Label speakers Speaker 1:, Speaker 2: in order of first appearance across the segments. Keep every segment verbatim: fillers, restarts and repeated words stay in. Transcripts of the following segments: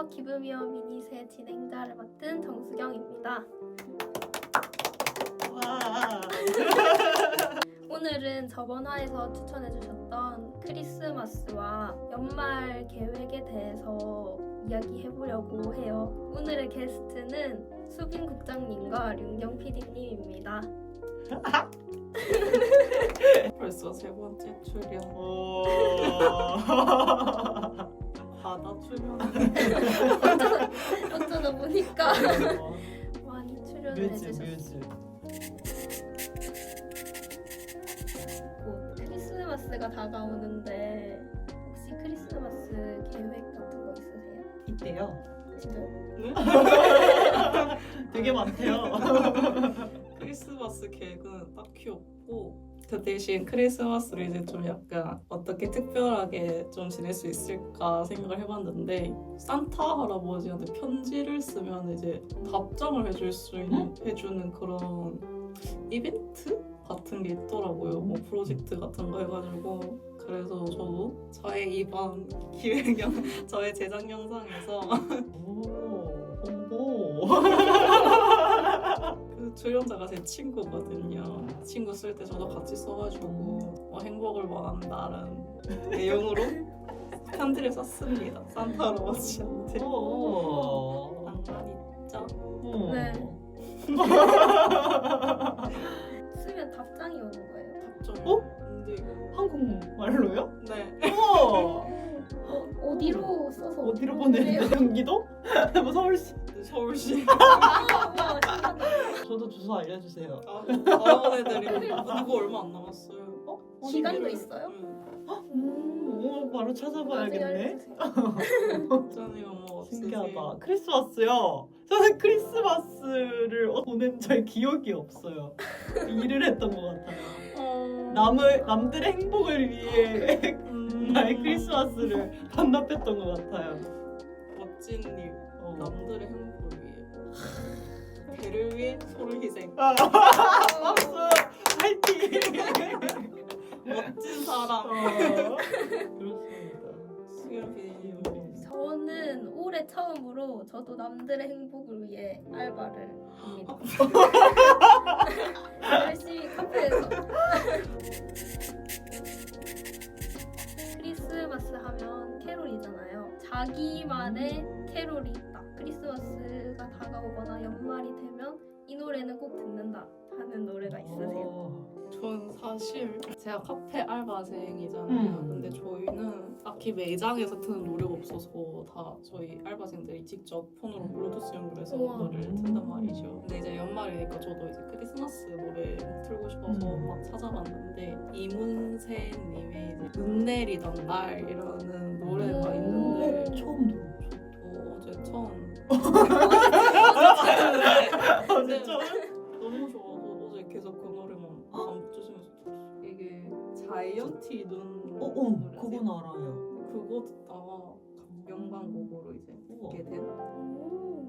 Speaker 1: 안녕하세요. 기브미어 미니세 진행자를 맡은 정수경입니다.
Speaker 2: 와.
Speaker 1: 오늘은 저번 화에서 추천해주셨던 크리스마스와 연말 계획에 대해서 이야기해보려고 해요. 오늘의 게스트는 수빈 국장님과 륜경 피디님입니다.
Speaker 3: 벌써 세 번째 출연.
Speaker 2: 오.
Speaker 3: 바다 출연.
Speaker 1: 어쩌다 보니까 많이 출연을
Speaker 2: 뮤즈
Speaker 1: 해주셨어요.
Speaker 2: 뮤즈.
Speaker 1: 곧 크리스마스가 다가오는데 혹시 크리스마스 계획 같은 거 있으세요?
Speaker 2: 이때요.
Speaker 1: 진짜요?
Speaker 3: 네?
Speaker 2: 되게 많대요.
Speaker 3: 크리스마스 계획은 딱히 없고 그 대신 크리스마스를 이제 좀 약간 어떻게 특별하게 좀 지낼 수 있을까 생각을 해봤는데 산타 할아버지한테 편지를 쓰면 이제 답장을 해줄 수 있는 해주는 그런 이벤트 같은 게 있더라고요. 뭐 프로젝트 같은 거 해가지고 그래서 저도 저의 이번 기획 영 저의 제작 영상에서
Speaker 2: 오. 홍보.
Speaker 3: 그 출연자가 제 친구거든요. 친구 쓸 때 저도 같이 써가지고 뭐 행복을 원한다는 내용으로 편지를 썼습니다. 산타 할아버지한테.
Speaker 2: 오.
Speaker 3: 낭만 있죠?
Speaker 2: 오.
Speaker 1: 네. 쓰면 답장이 오는 거예요.
Speaker 3: 답장.
Speaker 2: 어?
Speaker 3: 근데 이거
Speaker 2: 한국말로요?
Speaker 3: 네.
Speaker 2: 우와.
Speaker 1: 어, 어디로 써서
Speaker 2: 어디로
Speaker 1: 보내요?
Speaker 2: 보내는데? 경기도? 뭐 서울시?
Speaker 3: 서울시.
Speaker 1: 아, 와, 신기하다.
Speaker 2: 저도 주소 알려주세요.
Speaker 3: 아, 다른 애들이 누구 얼마 안 남았어요.
Speaker 2: 어?
Speaker 1: 기간도 있어요?
Speaker 3: 응.
Speaker 1: 음.
Speaker 2: 오, 바로
Speaker 1: 나중에
Speaker 2: 찾아봐야겠네.
Speaker 1: 알려주세요.
Speaker 3: 걱정이 뭐 없으세요?
Speaker 2: 신기하다. 크리스마스요? 저는 크리스마스를 어, 보낸 저의 기억이 없어요. 일을 했던 것 같아요.
Speaker 3: 어...
Speaker 2: 남을 남들의 행복을 위해
Speaker 3: 음...
Speaker 2: 나의 크리스마스를 반납했던 것 같아요.
Speaker 3: 멋진 일.
Speaker 2: 어.
Speaker 3: 남들의 행복을 위해. 배를 위해 소를 희생.
Speaker 2: 아, 박수! 파이팅!
Speaker 3: 멋진 사람.
Speaker 2: 어, 그렇습니다.
Speaker 3: 수연 피디님.
Speaker 1: 저는 올해 처음으로 저도 남들의 행복을 위해 알바를 합니다. 열심히 카페에서. 크리스마스 하면 캐롤이잖아요. 자기만의 캐롤이 있다. 크리스마스가 다가오거나 연말이 되면 이 노래는 꼭 듣는다 하는 노래가 있으세요?
Speaker 2: 어.
Speaker 3: 전 사실 제가 카페 알바생이잖아요.
Speaker 2: 음.
Speaker 3: 근데 저희는 딱히 매장에서 트는 노래가 없어서 다 저희 알바생들이 직접 폰으로 블루투스 연결해서
Speaker 1: 우와.
Speaker 3: 노래를 튼단 말이죠. 근데 이제 연말이니까 저도 이제 크리스마스 노래 틀고 싶어서
Speaker 2: 음.
Speaker 3: 막 찾아봤는데 이문세님의 이제 눈 내리던 날이라는 노래가
Speaker 1: 오.
Speaker 3: 있는데
Speaker 2: 처음 들어.
Speaker 3: 저도 어제 처음
Speaker 2: 어제 처음?
Speaker 3: 너무 좋아서 어제 계속 그 노래만 반복주시면서 들었어요. 이게 자이언티 눈
Speaker 2: 어, 어,
Speaker 3: 노래세요?
Speaker 2: 그건 알아요.
Speaker 3: 그거 듣다가 연관곡으로 이제
Speaker 2: 우와.
Speaker 3: 듣게 된
Speaker 1: 오.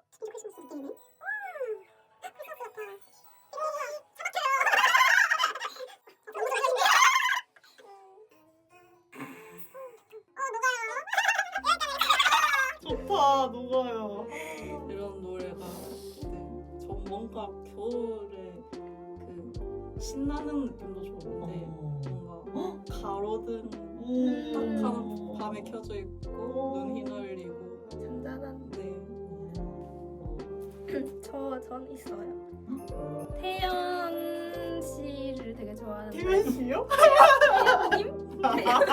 Speaker 2: 좋다, 녹아요.
Speaker 3: 이런 노래가 네, 전 뭔가 겨울에 그 신나는 느낌도 좋은데
Speaker 2: 어.
Speaker 3: 뭔가 가로등
Speaker 2: 음.
Speaker 3: 딱한 밤에 켜져 있고 눈 휘날리고
Speaker 1: 잔잔한.
Speaker 3: 네.
Speaker 1: 저, 전 있어요. 태연 씨를 되게 좋아하는데.
Speaker 2: 태연 씨요?
Speaker 1: 태연님?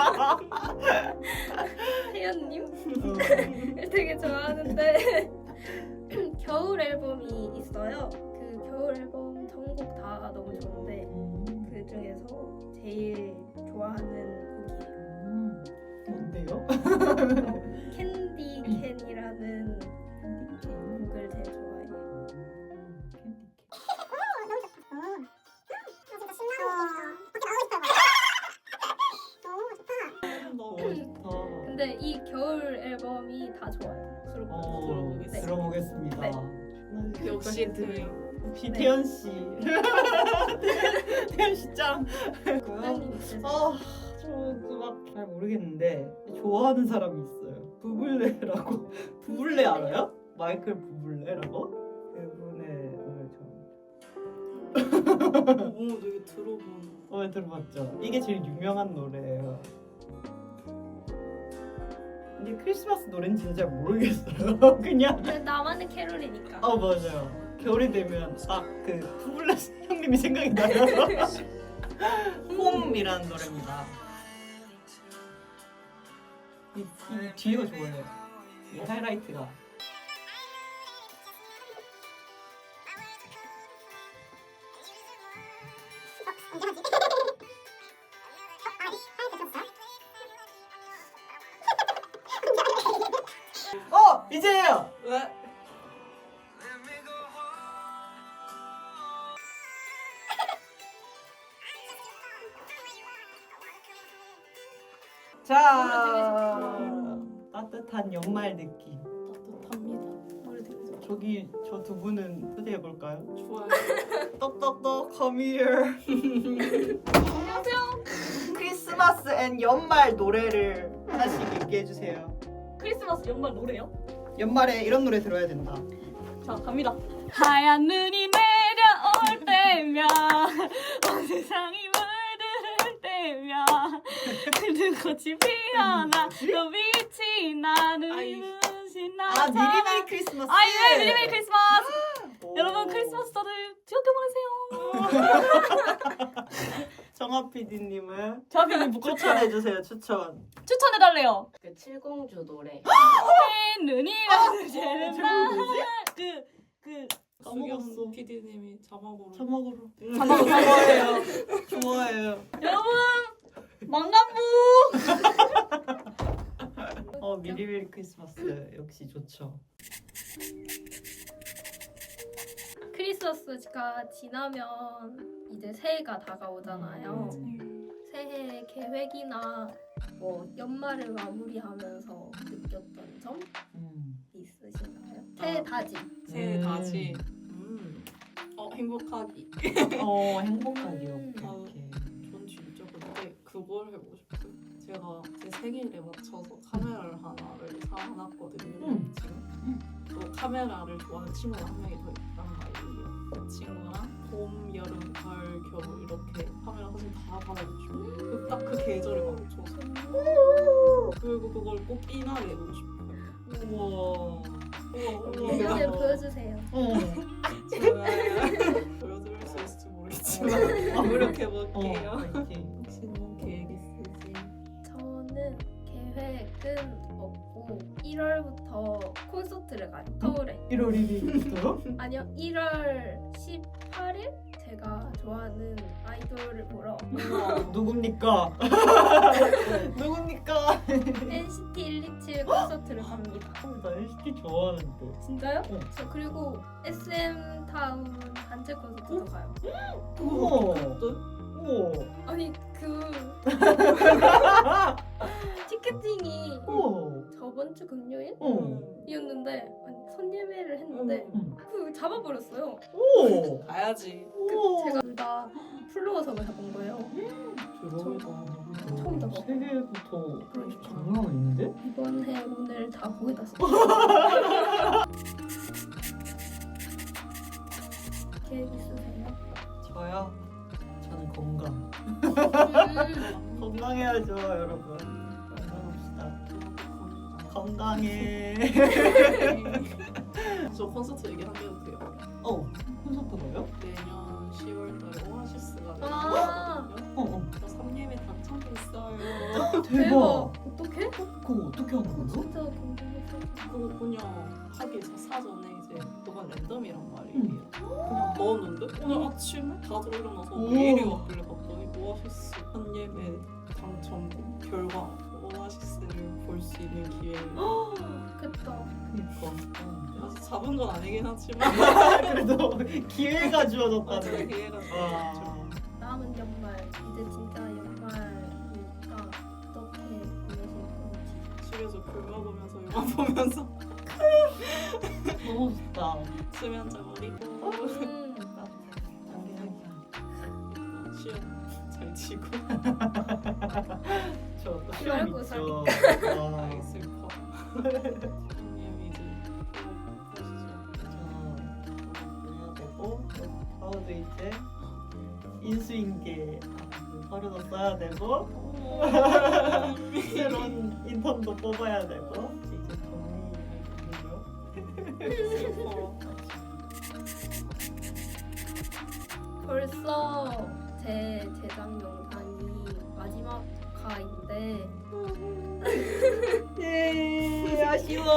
Speaker 1: 태연님?
Speaker 2: 어.
Speaker 1: 되게 좋아하는데 겨울 앨범이 있어요. 그 겨울 앨범 전곡 다 너무 좋은데 그 중에서 제일 좋아하는
Speaker 2: 음. 뭔데요?
Speaker 1: 곡이 캔디 캔이라는 곡을 제일 좋아해요.
Speaker 3: 너무
Speaker 2: 어, 좋다.
Speaker 1: 근데 이 겨울 앨범이 다 좋아요. 수록곡.
Speaker 2: 어,
Speaker 3: 네.
Speaker 2: 들어보겠습니다.
Speaker 1: 네.
Speaker 3: 역시 그
Speaker 2: 역시 태연 씨. 태연 씨 짱.
Speaker 1: 국장님 있으세요?
Speaker 2: 아, 저그막잘 모르겠는데 좋아하는 사람이 있어요. 부블레라고. 부블레 알아요? 마이클 부블레라고? 그분의 노래 좀.
Speaker 3: 오 되게 들어본.
Speaker 2: 어 들어봤죠? 이게 제일 유명한 노래예요. 근데 크리스마스 노래는 진짜 잘 모르겠어요. 그냥
Speaker 1: 근데 나만의 캐롤이니까.
Speaker 2: 어 맞아요. 겨울이 되면 아그 부블레 형님이 생각이 나요. 홈이라는 노래입니다. 이, 이 뒤에가 좋아요. 이 하이라이트가. 어 이제요.
Speaker 3: 왜?
Speaker 2: 자 따뜻한 연말 느낌.
Speaker 3: 따뜻합니다. 노래 되게 좋아.
Speaker 2: 저기 저 두 분은 초대해 볼까요?
Speaker 3: 좋아요.
Speaker 2: 똑똑똑 come here.
Speaker 1: 안녕하세요.
Speaker 2: 크리스마스 앤 연말 노래를 하나씩 얘기해 주세요.
Speaker 4: 크리스마스 연말 노래요?
Speaker 2: 연말에 이런 노래 들어야 된다.
Speaker 4: 자 갑니다. 하얀 눈이 내려올 때면 온 세상이 물들 때면 눈꽃이 피어나 또 빛이 나는
Speaker 3: 아이.
Speaker 4: 눈이
Speaker 2: 아
Speaker 4: 나잖아.
Speaker 2: 미리미리 크리스마스.
Speaker 4: 아 예, 미리미리 크리스마스.
Speaker 2: 오.
Speaker 4: 여러분 크리스마스 다들 즐겁게 보내세요.
Speaker 2: 정아 피디님은
Speaker 4: 저한테 뭐
Speaker 2: 추천해 주세요. 추천.
Speaker 4: 추천해달래요.
Speaker 5: 그 칠공주 노래
Speaker 4: 흰 눈이라는
Speaker 2: 어,
Speaker 4: 제는
Speaker 2: 제목이 뭐지?
Speaker 4: 그그
Speaker 2: 까먹었어.
Speaker 3: 수경 피디님이 자막으로.
Speaker 2: 자막으로.
Speaker 4: 자막으로
Speaker 2: 좋아해요. 좋아해요.
Speaker 4: 여러분 망간부.
Speaker 2: 어 미리미리 크리스마스 역시 좋죠.
Speaker 1: 크리스마스가 지나면 이제 새해가 다가오잖아요. 새해 계획이나 뭐 연말을 마무리하면서 느꼈던 점
Speaker 2: 음.
Speaker 1: 있으신가요? 새해
Speaker 3: 아.
Speaker 1: 다짐.
Speaker 3: 새해
Speaker 2: 음.
Speaker 3: 다지. 음. 어 행복하기.
Speaker 2: 어 행복하게
Speaker 1: 음.
Speaker 2: 오케이 오케이.
Speaker 3: 전 진짜 근데 그걸 해보고 싶어요. 제가 제 생일에 맞춰서 카메라를 하나를 사놨거든요.
Speaker 2: 음.
Speaker 3: 지금. 또 카메라를 좋아하는 친구가 한 명이 더 있단 말이에요. 그 친구랑 봄, 여름, 가을, 겨울 이렇게 카메라 사진 다 받아보고 싶어요. 딱 그 계절에 맞춰서. 그리고 그걸 꼭 이날에 해보고 싶어요.
Speaker 2: 우와.
Speaker 3: 우와,
Speaker 1: 내년에
Speaker 2: 어.
Speaker 1: 보여주세요.
Speaker 2: 어.
Speaker 3: 좋아요. 보여드릴 수 있을지 모르겠지만 노력해볼게요.
Speaker 2: 어, 파이팅.
Speaker 3: 혹시는 계획 있으세요?
Speaker 1: 저는 계획은 없고 일월부터 콘서트를 가요. 서울에.
Speaker 2: 일월 일일부터?
Speaker 1: 아니요, 일월 십팔일 제가 좋아하는 아이돌을 보러
Speaker 2: 누굽니까? 누굽니까?
Speaker 1: 엔시티 일이칠 콘서트를 갑니다.
Speaker 2: 나 엔시티 좋아하는데.
Speaker 1: 진짜요?
Speaker 2: 어.
Speaker 1: 저 그리고 에스엠 타운 단체 콘서트도 가요.
Speaker 2: 우와.
Speaker 3: 또?
Speaker 2: 우와.
Speaker 1: 아니 그 티켓팅이
Speaker 2: 우와.
Speaker 1: 저번 주 금요일이었는데
Speaker 2: 어.
Speaker 1: 아니, 선예매를 했는데
Speaker 2: 응.
Speaker 1: 그 잡아버렸어요.
Speaker 2: 오.
Speaker 3: 가야지.
Speaker 2: 우와.
Speaker 1: 제가 둘 다 플로어석을 잡은 거예요.
Speaker 2: 대박이다.
Speaker 1: 처음 잡아.
Speaker 2: 세계부터
Speaker 1: 그러니까.
Speaker 2: 장난 아닌데?
Speaker 1: 이번 해 오늘 다 거기다 써. 계획 있으세요?
Speaker 2: 저요? 저는 건강.
Speaker 1: 음,
Speaker 2: 건강해야죠, 여러분. 건강합시다. 건강해.
Speaker 3: 저 콘서트 얘기 한개 해도 돼요?
Speaker 2: 어, 콘서트 가요?
Speaker 3: 내년 시월달에 오아시스가
Speaker 1: 아.
Speaker 3: 나거든요.
Speaker 2: 어, 어.
Speaker 3: 저 삼 예매 당첨됐어요.
Speaker 2: 대박.
Speaker 1: 어떡해?
Speaker 2: 그거 어떻게 하는 거예요?
Speaker 1: 진짜 궁금했어.
Speaker 3: 그거 그냥 하기 전 사전에 이제 그건 랜덤이란 말이에요. 그냥 넣었는데 오늘 아침에 다들 일어나서
Speaker 2: 오.
Speaker 3: 메일이 왔길래 봤더니 오아시스 한 예매 당첨 결과 오아시스를 볼 수 있는 기회예요.
Speaker 1: 좋겠다.
Speaker 2: 그니까.
Speaker 3: 아직 잡은 건 아니긴 하지만
Speaker 2: 그래도 기회가
Speaker 3: 어떻게
Speaker 2: 주어졌다는.
Speaker 3: 기회가
Speaker 2: 와.
Speaker 3: 주어졌죠.
Speaker 1: 남은 연말 이제 진짜 연말이니까 어떻게 보내실 건지.
Speaker 3: 집에서 귤 먹으면서 영화 보면서
Speaker 2: 너무 좋다.
Speaker 3: 수면 한잔 버리고
Speaker 1: 음,
Speaker 3: 시험 잘 치고
Speaker 2: 저또 시험
Speaker 1: 말고
Speaker 2: 있죠. 와.
Speaker 3: 아이 슬퍼. 님이 이제 보시죠.
Speaker 2: 해야 되고 파우드 이제 인수인계 서류도 써야 되고 새로운 인턴도 뽑아야 되고 이제 정리해주고요.
Speaker 1: 벌써 제 제작 영상이 마지막 화인데
Speaker 2: 예, 아쉬워.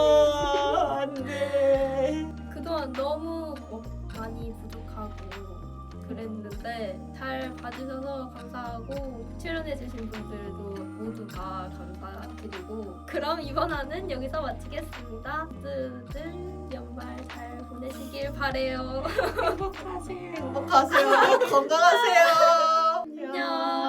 Speaker 2: 안돼.
Speaker 1: 그동안 너무 뭐 많이 부족하고 그랬는데 잘 봐주셔서 감사하고 출연해주신 분들도 모두 다 감사드리고 그럼 이번 화는 여기서 마치겠습니다. 모두들 연말 잘 보내시길 바래요.
Speaker 3: 행복하세요.
Speaker 2: 행복하세요. 건강하세요.
Speaker 1: 안녕.